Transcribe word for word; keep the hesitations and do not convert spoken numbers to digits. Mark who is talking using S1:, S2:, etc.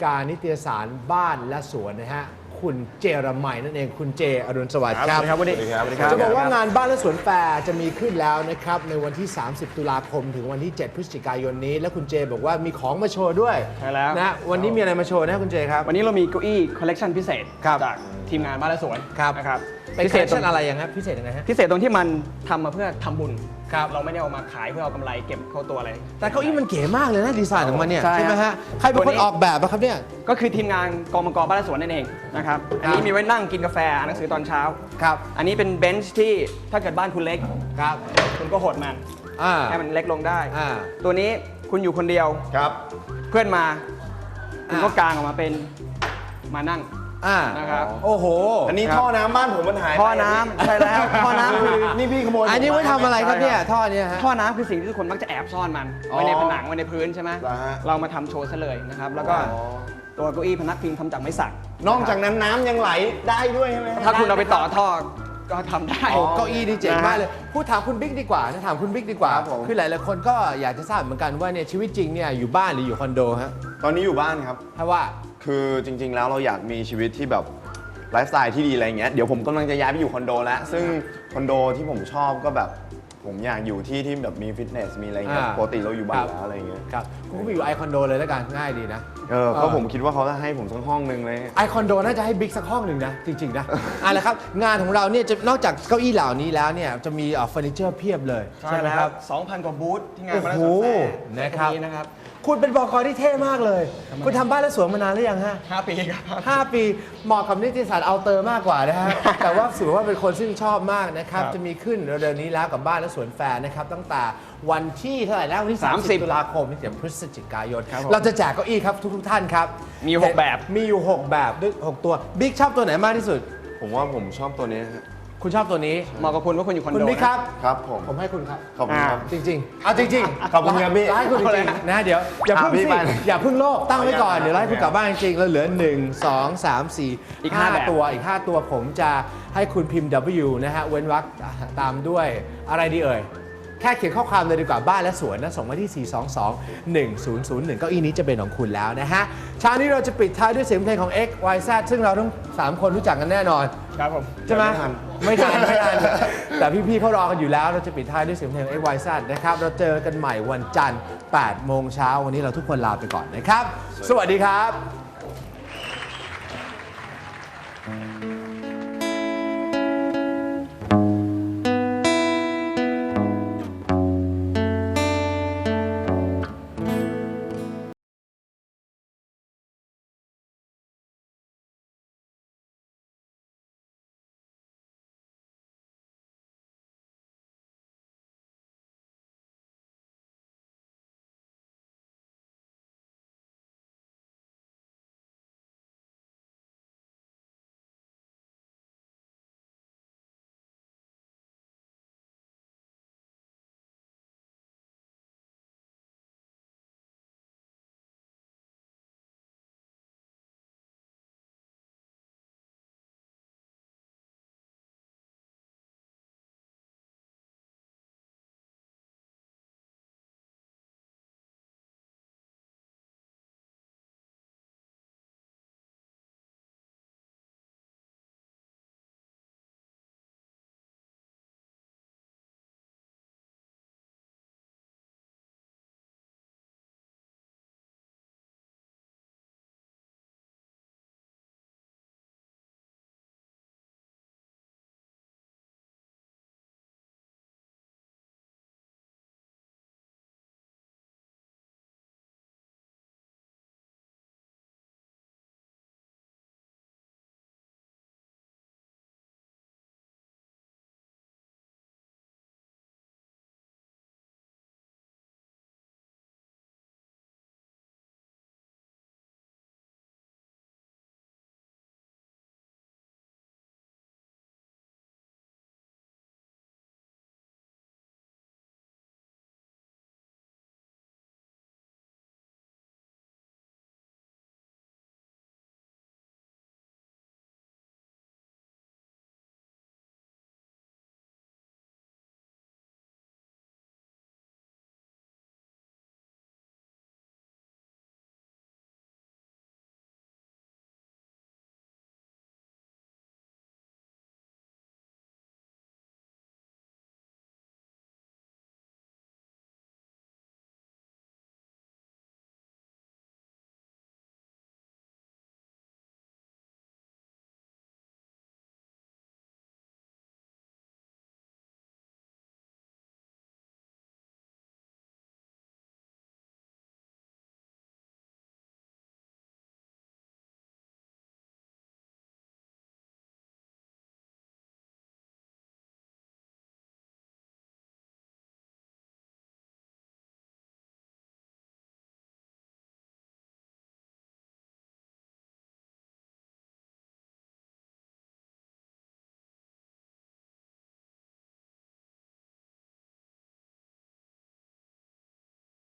S1: การนิตยสารบ้านและสวนนะฮะคุณเจรมัยนั่นเองคุณเจอรุณสวัสดิ์ครับ
S2: สวัสดีครับวันนี้
S1: จะบอกว่างานบ้านและสวนแฟร์จะมีขึ้นแล้วนะครับในวันที่ สามสิบ ตุลาคมถึงวันที่ เจ็ด พฤศจิกายนนี้และคุณเจบอกว่ามีของมาโชว์ด้วย
S2: ใช่แล้ว
S1: นะวันนี้มีอะไรมาโชว์นะคุณเจครับ
S2: วันนี้เรามีเก้าอี้คอลเลกชันพิเศษ
S1: ครับ
S2: จากทีมงานบ้านและสวน
S1: ครับ
S2: นะครับ
S1: เป็น
S2: พิ
S1: ค
S2: เศ
S1: อล
S2: ษ
S1: เลค
S2: ตร
S1: ชั่
S2: ง
S1: นอะไรยังครับพิเศษยังไงฮะ
S2: พิเศษตรงที่มันทำมาเพื่อทำบุญ
S1: ครับ
S2: เราไม่ได้เอามาขายเพื่อเอากำไรเก็บเข้าตัวอะไร
S1: แต่เก้าอี้มันเก๋มากเลยนะดีไซน์ของมันเนี่ย
S2: ใช่
S1: ใช่ไหมฮะใครเป็นคนออกแบบอะครับเนี่ย
S2: ก็คือทีมงานกองมังกรบ้านและสวนนั่นเองนะครับอันนี้มีไว้นั่งกินกาแฟอ่านหนังสือตอนเช้า
S1: ครับ
S2: อันนี้เป็นเบนช์ที่ถ้าเกิดบ้านคุณเล็ก
S1: ครับ
S2: คุณก็หดมัน
S1: อ่า
S2: ให้มันเล็กลงได้
S1: อ่า
S2: ตัวนี้คุณอยู่คนเดียว
S3: ครับ
S2: เพื่อนมาคุณก็
S1: อ่า
S2: กางออกมาเป็นมานั่ง
S1: อ่า
S2: นะครับ
S1: โอ้โห
S3: อันนี้ท่อน้ำบ้านผมมันหายไป
S2: ท่อน้ำใช่แล้วท่อน้ำคือ
S3: นี่พี่ขโมย
S1: อันนี้ไว้ทำอะไรครับเนี่ย
S2: ใช่ครับ
S1: ท่อเนี่ยฮะ
S2: ท่อน้ำคือสิ่งที่ทุกคนมักจะแอบซ่อนมัน
S3: อ๋อ
S2: ไว้ในผนังไว้ในพื้นใช่ไหม
S3: เหรอฮะ
S2: เรามาทำโชว์ซะเลยนะครับ แล้วก็
S3: อ๋อ
S2: ตัวเก้าอี้พนักพิงทำจากไม้สัก
S3: นอกจากนั้นน้ำยังไหลได้ด้วยใช่ไหม
S2: ถ้าคุณเอาไปต่อท่อก็ทำได้
S1: โอ้เก้าอี้นี่เจ๋งมากเลย
S2: นะฮะ
S1: พูดถามคุณบิ๊กดีกว่านะถามคุณบิ๊กดีกว่า
S3: ครับผม
S1: คือหลายๆคนก็อยากจะทราบเหมือนกันว่าเนี่ยชีวิตจริงเนี่ยอยู่บ้านหรืออยู่คอนโดฮะ
S3: ตอนนี้อยู่บ้านครับ
S1: ถ้าว่า
S3: คือจริง ๆ แล้วเราอยากมีชีวิตที่แบบไลฟ์สไตล์ที่ดีอะไรเงี้ย เดี๋ยวผมกำลังจะย้ายไปอยู่คอนโดแล้ว ซึ่งคอนโดที่ผมชอบก็แบบ ผมอยากอยู่ที่ที่แบบมีฟิตเนส มีอะไรเงี้ย
S1: อ่า
S3: ปกติเราอยู่บ้า
S1: ครั
S3: น
S1: บ
S3: แล้วอะไรเงี้ย
S1: ครับคุณก็ไปอยู่ไอคอนโดเลยแล้วกันง่ายดีนะ
S3: เออก็ผมคิดว่าเขาจะให้ผมสักห้องนึงเลย
S1: ไอคอนโดน่าจะให้บิ๊กสักห้องหนึ่งนะ จริง ๆ นะอ่ะแล้วครับ งานของเราเนี่ยจะนอกจากเก้าอี้เหล่านี้แล้วเนี่ยจะมีเอ่อเฟอร์นิเจอร์เพียบเลย
S2: ใช่
S1: ไหม
S2: แล้ว
S1: ครับ
S2: สองพันกว่าบูธที่งาน
S1: โอ้
S2: มาแล้ว
S1: โห
S2: สวนแฟร์
S1: นะครับ
S2: ตงนะครับ
S1: คุณเป็นบกที่เท่มากเลย คุณทำบ้านและสวนมานานหรือยังฮะ
S2: ห้าปีครับ
S1: ห้าปีเหมาะกับนิตยสารเอาเตอร์มากกว่านะฮะ แต่ว่าถือว่าเป็นคนซึ่งชอบมากนะครับ
S2: ครับ
S1: จะมีขึ้นเร็วๆนี้แล้วกับบ้านและสวนแฟร์นะครับตั้งแต่วันที่เท่าไหร่แล้ววันที่
S2: สามสิบ
S1: 30 ตุลาคมถึงพฤศจิกายน
S2: ครับผม
S1: เราจะแจกเก้าอี้ครับทุกๆท่านครับ
S2: มีอยู่หกแบบ
S1: มีอยู่ หก แบบด้วยหกตัวบิ๊กชอบตัวไหนมากที่สุด
S3: ผมว่าผมชอบตัวนี้ฮะ
S1: คุณชอบตัวนี้
S2: เหมาะกับคุณว่าคุณอยู่คอน
S1: คุณ
S2: โด
S1: บิ๊กครับ
S3: ครับผม
S1: ผมให้คุณครับ
S3: ขอบคุณครับ
S1: จริงๆ เอาจริงๆ
S3: ขอบคุณครับพี่
S1: ไล่คุณจริงๆนะเดี๋ยวอย่าเพิ่ง
S3: อ่ะพี่
S1: สิ
S3: ไป
S1: อย่าเพิ่งโลกตั้งไว้ก่อน
S3: ขออนุญาต
S1: เดี๋ยวไล่คุณกลับบ้านจริงๆแล้วเหลือ หนึ่ง สอง สาม สี่
S2: อีกห้าแบบ
S1: ตัวอีก ห้า ตัวผมจะให้คุณพิมพ์ W นะฮะเว้นวรรคตามด้วยอะไรดีเอ่ย แค่เขียนข้อความเลยดีกว่าบ้านและสวนนะส่งมาที่ สี่ สอง สอง หนึ่ง ศูนย์ ศูนย์ หนึ่ง เก้าอี้นี้จะเป็นของคุณแล้วนะฮะเช้านี้เราจะปิดท้ายด้วยเสียงเพลงของ X Y Z ซึ่งเราทั้งสามคนรู้จักกันแน่นอน
S2: ครับผม
S1: ใช่ไหม
S3: ไม่ทัน
S1: ไม่ทันไม่ทัน แต่พี่ๆเขารอกันอยู่แล้ว เราจะปิดท้ายด้วยเสียงเพลง เอ็กซ์ วาย แซด นะครับ เราเจอกันใหม่วันจันทร์ แปด โมงเช้า วันนี้เราทุกคนลาไปก่อนนะครับ สวัสดีครับ